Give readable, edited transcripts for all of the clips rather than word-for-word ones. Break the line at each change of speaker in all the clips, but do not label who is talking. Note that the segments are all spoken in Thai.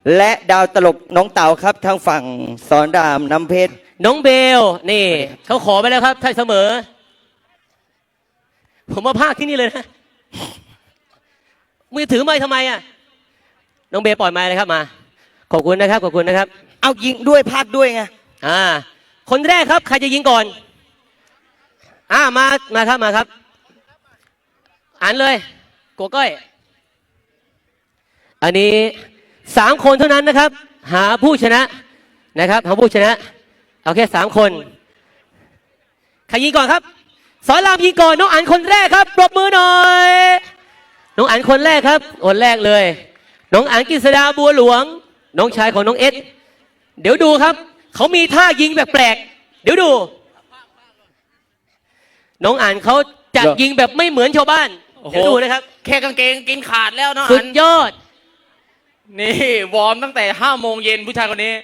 และดาวตลกน้องเต๋าครับทางฝั่งสอนรามน้ำเพชร
น้องเบลนี่เขาขอไปแล้วครับถ้าเสมอผมมาพากที่นี่เลยนะมือถือไม่ทำไมอ่ะน้องเบลปล่อยไม้เลยครับมาขอบคุณนะครับขอบคุณนะครับ
เอายิงด้วยพากด้วยไง
คนแรกครับใครจะยิงก่อนมาครับมาครับอ่านเลยโกก้อยอันนี้3 คนเท่านั้นนะครับหาผู้ชนะนะครับหาผู้ชนะเอาแค่3 คนใครยิงก่อนครับสอนรามยิงก่อนน้องอั๋นคนแรกครับปรบมือหน่อยน้องอั๋นคนแรกครับคนแรกเลยน้องอั๋นกฤษดาบัวหลวงน้องชายของน้องเอสเดี๋ยวดูครับเขามีท่ายิงแปลกๆเดี๋ยวดูน้องอั๋นเขาจะยิงแบบไม่เหมือนชาวบ้านเดี๋ยวดูนะครับ
แค่กางเกงกินขาดแล้วเนาะ
สุดยอด
นี่วอร์มตั้งแต่5 โมงเย็นผู้ชายคนนี้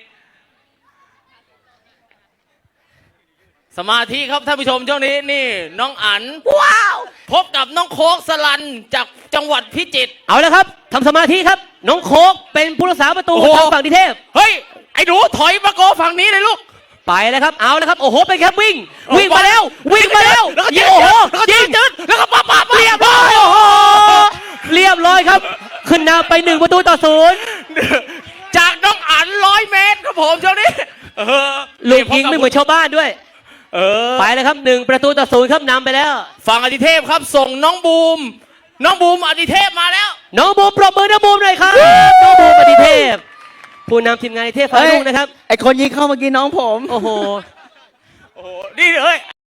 สมาธิครับท่านผู้ชมช่วงนี้นี่น้องอั๋นว้าวพบกับน้องโคกสลันจากจังหวัดพิจิตร
เอาแล้วครับทำสมาธิครับน้องโคกเป็นผู้รักษาประตูทางฝั่งนิเทพ
เฮ้ยไอ้หนูถอยมาโกฝั่งนี้เลยลูก
ไปแล้วครับเอาแล้วครับโอ้โหเป็นครับวิ่งมาแล้ว
แล้วก็ยิงโอ้โหยิงจืดแล้วก็ปั๊บ
เรียบร้อยโอ้โหเรียบร้อยครับขึ้นนำไป1-0
จากน้องอั๋น100 เมตรครับผมช่วงนี้
ลูกยิงไม่เหมือนชาวบ้านด้วยไปแล้วครับ1-0ครับนำไปแล้ว
ฝั่งอดิเทพครับส่งน้องบูมอดิเทพมาแล้ว
น้องบูมปรบมือน้องบูมหน่อยครับน้องบูมอดิเทพผู้นำทีมงานอดิเทพฝ่ายลูกนะครับ
ไอคนยิงเข้าเมื่อกี้น้องผม
โอ้โห
นี่เฮ้ย